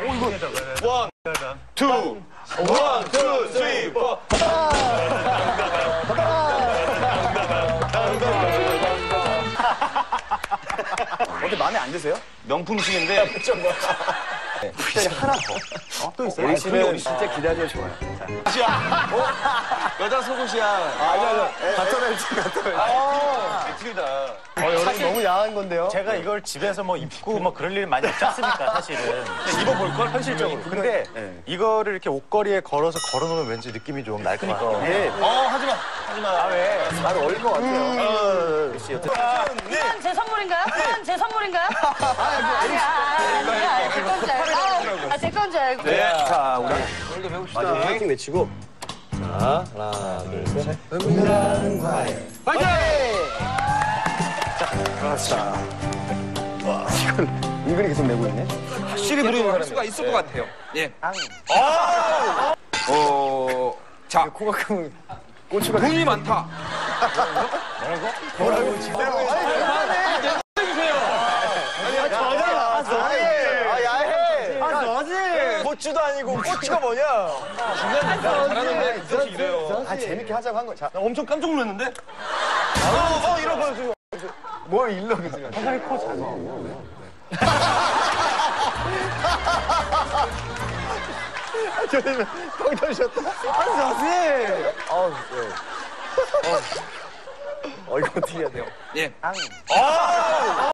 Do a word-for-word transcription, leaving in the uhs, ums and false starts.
원, 투, 원, 투, 쓰리, 포. 어때 마음에 안 드세요? 명품식인데. 특별히 하나 더. 어? 또 있어요? 우리 씨는 진짜 기다려 좋아요. 속옷이야. 어? 여자 속옷이야. 아, 아니, 아니. 같은 벨트, 같은 벨트. 틀리다. 어, 여러분 너무 야한 건데요? 제가 이걸 집에서 뭐 입고 뭐 그럴 일 많이 없지 않습니까, 사실은. 입어볼걸? 현실적으로. 근데 네. 이거를 이렇게 옷걸이에 걸어서 걸어놓으면 왠지 느낌이 좀 날 것 같아요. 예. 어, 하지 마. 하지 마. 아, 왜? 잘 어울릴 것 같아요. 이건 제 선물인가요? 이건 제 선물인가요? 아니야, 아니야, 제 건 줄 알고. 아, 제 건 줄 알고. 네. 자, 우리 오늘도 배웁시다. 마지막 파이팅 외치고. 자, 하나, 둘, 셋. 은밀한 과외. 파이팅! 자, 그렇죠. 와, 이건 은근히 계속 내고 있네. 확실히 부르는 사람 수가 있을 것 같아요. 예. 어, 자, 코가 크면 고추가. 돈이 많다. 뭐라고 지금? 아니, 아, 야해. 아, 너지. 고추도 아니고 고추가 뭐냐? 잘하는데 그렇게 이래요. 아, 재밌게 하자고 한 거. 자, 나 엄청 깜짝 놀랐는데? 어, 어, 이런 거 지금. 뭘 일러 계세요? 화장이 커 작아. 저는 뻥 터지셨다. 아, 저지. 어, 네. 어, 어, 이거 어떻게 해야 돼요? 예. 아!